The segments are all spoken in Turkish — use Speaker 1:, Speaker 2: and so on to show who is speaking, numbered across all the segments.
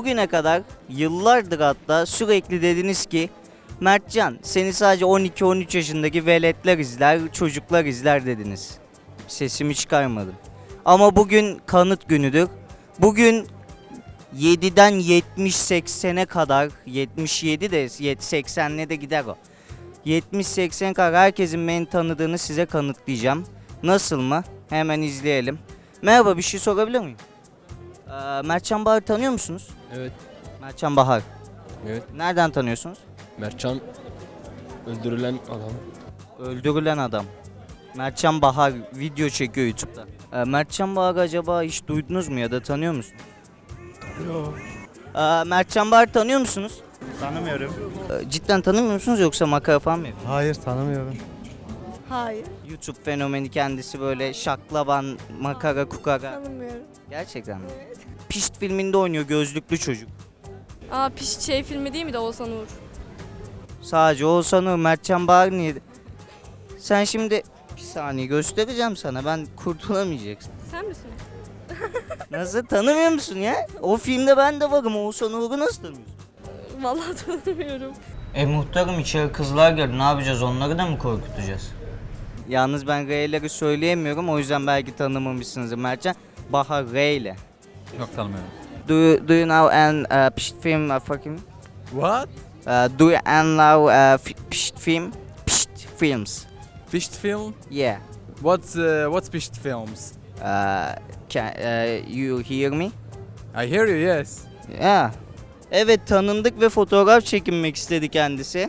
Speaker 1: bugüne kadar yıllardır hatta sürekli dediniz ki Mertcan seni sadece 12-13 yaşındaki veletler izler, çocuklar izler dediniz. Sesimi çıkarmadım. Ama bugün kanıt günüdür. Bugün 7'den 70-80'e kadar, 77 de 80'le de gider o. 70-80 kadar herkesin beni tanıdığını size kanıtlayacağım. Nasıl mı? Hemen izleyelim. Merhaba, bir şey sorabilir miyim? Mertcan Bahar tanıyor musunuz?
Speaker 2: Evet.
Speaker 1: Mertcan Bahar.
Speaker 2: Evet.
Speaker 1: Nereden tanıyorsunuz?
Speaker 2: Mertcan öldürülen adam.
Speaker 1: Öldürülen adam. Mertcan Bahar video çekiyor YouTube'da. Mertcan Bahar acaba hiç duydunuz mu ya da tanıyor musunuz?
Speaker 3: Yok.
Speaker 1: Mertcan Bahar tanıyor musunuz?
Speaker 3: Tanımıyorum.
Speaker 1: Cidden tanımıyor musunuz yoksa makara falan mı yapıyor?
Speaker 3: Hayır tanımıyorum.
Speaker 4: Hayır,
Speaker 1: YouTube fenomeni kendisi, böyle şaklaban, makara, kukara.
Speaker 4: tanımıyorum.
Speaker 1: Gerçekten mi? Pişt filminde oynuyor gözlüklü çocuk.
Speaker 4: Aa, şey filmi değil mi de Oğuzhan Uğur?
Speaker 1: Sadece Oğuzhan Uğur, Mertcan Bahar niye? Sen şimdi bir saniye göstereceğim sana, ben kurtulamayacaksın.
Speaker 4: Sen misin?
Speaker 1: Nasıl, tanımıyor musun ya? O filmde ben de varım, Oğuzhan Uğur'u nasıl tanımıyorsun?
Speaker 4: Vallahi tanımıyorum.
Speaker 1: Muhtarım içeri kızlar girdi, ne yapacağız, onları da mı korkutacağız? Yalnız ben R'leri söyleyemiyorum, o yüzden belki tanımamışsınızdır Mertcan. Bahar R ile.
Speaker 5: Yok tanımıyorum.
Speaker 1: Do you know an pişt film fucking?
Speaker 5: What?
Speaker 1: Do you know pişt film? Pişt films.
Speaker 5: Fished film?
Speaker 1: Yeah.
Speaker 5: What's fished films?
Speaker 1: Can you hear me?
Speaker 5: I hear you, yes.
Speaker 1: Yeah. Evet, tanındık ve fotoğraf çekinmek istedi kendisi.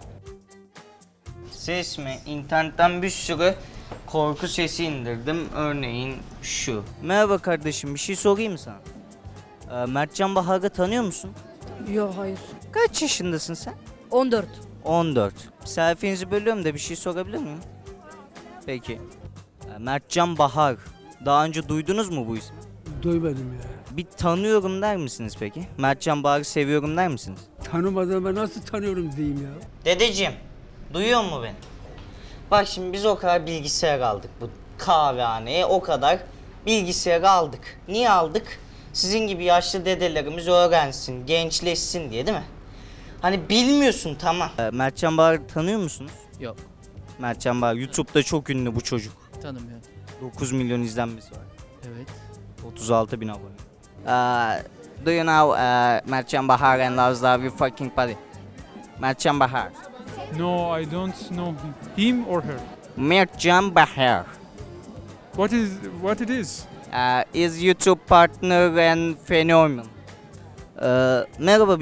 Speaker 1: Ses mi? İnternetten bir sürü korku sesi indirdim. Örneğin şu. Merhaba kardeşim, bir şey sorayım mı sana? Mertcan Bahar'ı tanıyor musun?
Speaker 6: Yok hayır.
Speaker 1: Kaç yaşındasın sen?
Speaker 6: 14.
Speaker 1: 14. Selfie'nizi bölüyorum da bir şey sorabilir miyim? Peki. Mertcan Bahar. Daha önce duydunuz mu bu ismi?
Speaker 3: Duymadım ya.
Speaker 1: Bir tanıyorum der misiniz peki? Mertcan Bahar'ı seviyorum der misiniz?
Speaker 3: Tanımadan ben nasıl tanıyorum diyeyim ya.
Speaker 1: Dedeciğim, duyuyor mu beni? Bak şimdi biz o kadar bilgisayar aldık bu kahvehaneye, o kadar bilgisayar aldık. Niye aldık? Sizin gibi yaşlı dedelerimiz öğrensin, gençleşsin diye, değil mi? Hani bilmiyorsun, tamam. Mertcan Bahar'ı tanıyor musunuz?
Speaker 2: Yok.
Speaker 1: Mertcan Bahar YouTube'da çok ünlü bu çocuk.
Speaker 2: Tanımıyorum.
Speaker 1: 9 milyon izlenmesi var.
Speaker 2: Evet.
Speaker 1: 36 bin abone. Do you know Mertcan Bahar and loves love you fucking body? Mertcan Bahar.
Speaker 7: No, I don't know him or her.
Speaker 1: Mertcan Bahar
Speaker 7: What it is?
Speaker 1: is YouTube partner and phenomenon. Merhaba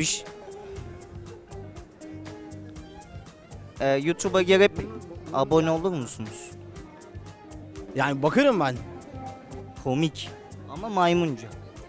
Speaker 1: YouTube'a girip abone olur musunuz?
Speaker 8: Yani bakarım ben.
Speaker 1: Komik ama maymunca.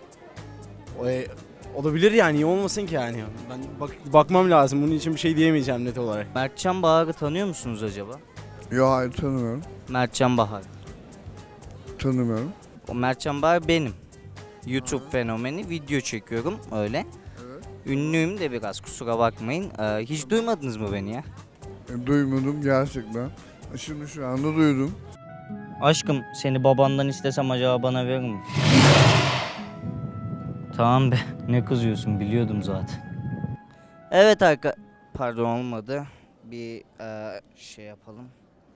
Speaker 8: Olabilir yani, niye olmasın ki yani. Ben bakmam lazım, bunun için bir şey diyemeyeceğim net olarak.
Speaker 1: Mertcan Bahar'ı tanıyor musunuz acaba?
Speaker 9: Yok, hayır tanımıyorum.
Speaker 1: Mertcan Bahar.
Speaker 9: Tanımıyorum.
Speaker 1: O Mertcan Bahar benim. YouTube fenomeni, video çekiyorum öyle.
Speaker 9: Evet.
Speaker 1: Ünlüyüm de biraz, kusura bakmayın. Hiç duymadınız mı beni ya?
Speaker 9: Duymadım gerçekten. Şimdi şu anda duydum.
Speaker 1: Aşkım, seni babandan istesem acaba bana verir mi? Tamam be, ne kızıyorsun, biliyordum zaten. Evet pardon, olmadı. Bir şey yapalım.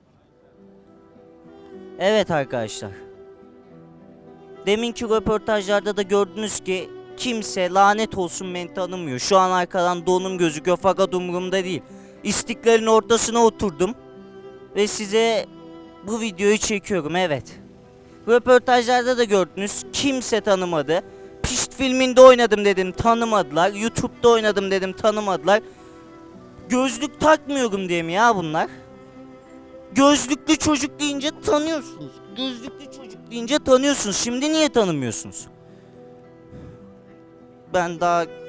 Speaker 1: Evet arkadaşlar. Deminki röportajlarda da gördünüz ki kimse lanet olsun beni tanımıyor. Şu an arkadan donum gözüküyor fakat umurumda değil. İstiklalin ortasına oturdum ve size bu videoyu çekiyorum, evet. Röportajlarda da gördünüz, kimse tanımadı. Pişt filminde oynadım dedim, tanımadılar. YouTube'da oynadım dedim, tanımadılar. Gözlük takmıyorum diye mi ya bunlar? Gözlüklü çocuk deyince tanıyorsunuz. Gözlüklü çocuk deyince tanıyorsunuz. Şimdi niye tanımıyorsunuz? Ben daha